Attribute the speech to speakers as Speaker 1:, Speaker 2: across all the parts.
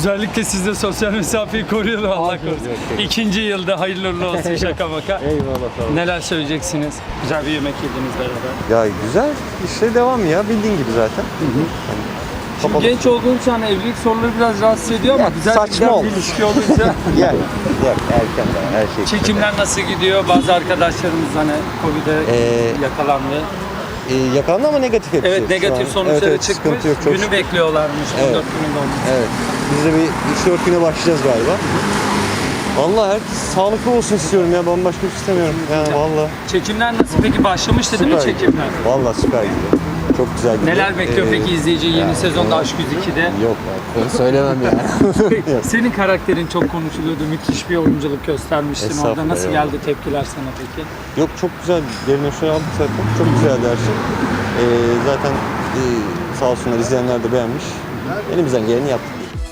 Speaker 1: Özellikle siz de sosyal mesafeyi koruyun Allah korusun. İkinci yılda hayırlı uğurlu olsun şaka maka.
Speaker 2: Eyvallah sağ olun.
Speaker 1: Neler söyleyeceksiniz? Güzel bir yemek yediniz beraber.
Speaker 2: Ya güzel. İşte devam ya. Bildiğin gibi zaten.
Speaker 1: Şimdi genç olduğun için hani evlilik soruları biraz rahatsız ediyor ama
Speaker 2: Ya,
Speaker 1: güzel
Speaker 2: saçma
Speaker 1: bir
Speaker 2: olmuş.
Speaker 1: ilişki olunca.
Speaker 2: Yok erken daha her şey.
Speaker 1: Çekimler nasıl gidiyor? Bazı arkadaşlarımız hani Covid'e yakalandı.
Speaker 2: Yakalandı ama negatif hepsi.
Speaker 1: Evet, negatif sonuçları
Speaker 2: evet,
Speaker 1: çıkmış.
Speaker 2: sıkıntı yok, çok
Speaker 1: Günü
Speaker 2: şükür.
Speaker 1: bekliyorlarmış. 14
Speaker 2: Evet.
Speaker 1: gününde olmuş.
Speaker 2: Evet. Biz de bir 3-4 güne başlayacağız galiba. Vallahi herkes sağlıklı olsun istiyorum ya. Bambaşka bir şey istemiyorum. Yani vallahi.
Speaker 1: Çekimler nasıl peki? Başlamıştı değil mi
Speaker 2: Süper.
Speaker 1: çekimler?
Speaker 2: Vallahi süper gidiyor. Çok güzel gidiyor.
Speaker 1: Neler bekliyor peki izleyici yeni sezonda Aşk 102'de?
Speaker 2: Yok ben söylemem yani.
Speaker 1: Senin karakterin çok konuşuluyordu. Müthiş bir oyunculuk göstermiştin orada.
Speaker 2: Estağfurullah,
Speaker 1: Nasıl
Speaker 2: eyvallah.
Speaker 1: geldi tepkiler sana peki?
Speaker 2: Yok çok güzel. Yerine şöyle aldık zaten. Çok güzeldi her şey. Zaten sağ olsunlar izleyenler de beğenmiş. Elimizden geleni yaptık.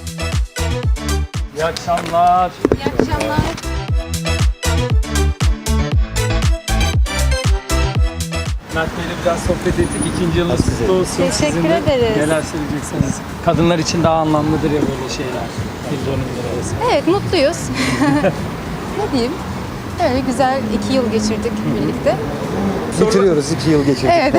Speaker 1: İyi akşamlar.
Speaker 3: İyi akşamlar.
Speaker 1: Mert Bey'le biraz sohbet ettik. İkinci yılınız kutlu olsun.
Speaker 3: Teşekkür
Speaker 1: Sizin de
Speaker 3: ederiz.
Speaker 1: Neler söyleyeceksiniz? Kadınlar için daha anlamlıdır ya böyle şeyler. Bir dönümler arası.
Speaker 3: Evet, mutluyuz. Ne diyeyim? Öyle güzel 2 yıl geçirdik birlikte.
Speaker 2: Bitiriyoruz 2 yıl geçirdik.
Speaker 3: Evet.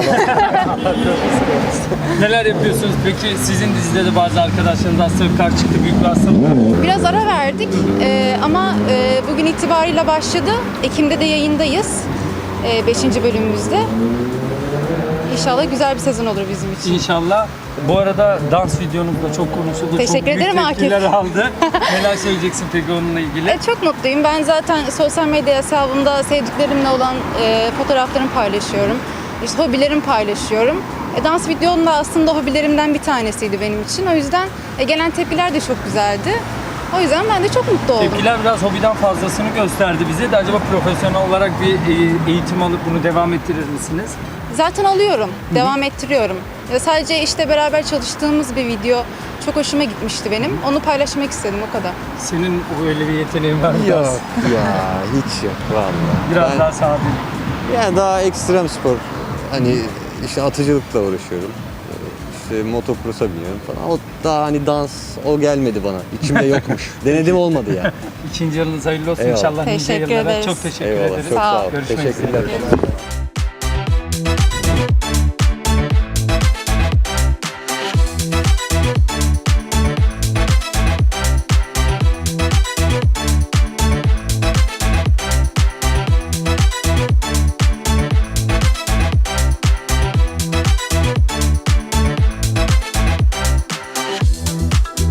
Speaker 1: Neler yapıyorsunuz peki? Sizin dizide de bazı arkadaşlarınız hastalık karşı çıktı. Büyük bir hastalık.
Speaker 3: Biraz ara verdik ama bugün itibariyle başladı. Ekim'de de yayındayız. 5. bölümümüzde. İnşallah güzel bir sezon olur bizim için.
Speaker 1: İnşallah. Bu arada dans videonuz da çok konuşuldu.
Speaker 3: Teşekkür
Speaker 1: çok büyük
Speaker 3: ederim Akif.
Speaker 1: tepkiler aldı. Neler söyleyeceksin peki onunla ilgili?
Speaker 3: Çok mutluyum. Ben zaten sosyal medya hesabımda sevdiklerimle olan fotoğraflarımı paylaşıyorum. İşte hobilerimi paylaşıyorum. Dans videom da aslında hobilerimden bir tanesiydi benim için. O yüzden gelen tepkiler de çok güzeldi. O yüzden ben de çok mutlu oldum.
Speaker 1: Tepkiler biraz hobiden fazlasını gösterdi bize de. Acaba profesyonel olarak bir eğitim alıp bunu devam ettirir misiniz?
Speaker 3: Zaten alıyorum, devam ettiriyorum. Sadece işte beraber çalıştığımız bir video çok hoşuma gitmişti benim. Onu paylaşmak istedim, o kadar.
Speaker 1: Senin öyle bir yeteneğin var mı?
Speaker 2: Yok ya hiç yok vallahi.
Speaker 1: Biraz
Speaker 2: Ben-
Speaker 1: daha sade.
Speaker 2: Yani daha ekstrem spor. Hani işte atıcılıkla uğraşıyorum. İşte motocross'a biniyorum falan. O daha hani dans o gelmedi bana. İçimde yokmuş. Denedim olmadı ya.
Speaker 1: İkinci yılınız hayırlı olsun
Speaker 2: Eyvallah.
Speaker 1: inşallah. nice
Speaker 3: Teşekkür
Speaker 1: yıllara.
Speaker 3: ederiz.
Speaker 1: Çok teşekkür
Speaker 2: Eyvallah
Speaker 1: ederiz.
Speaker 2: çok sağ ol.
Speaker 1: Görüşmek
Speaker 2: Teşekkürler.
Speaker 1: üzere.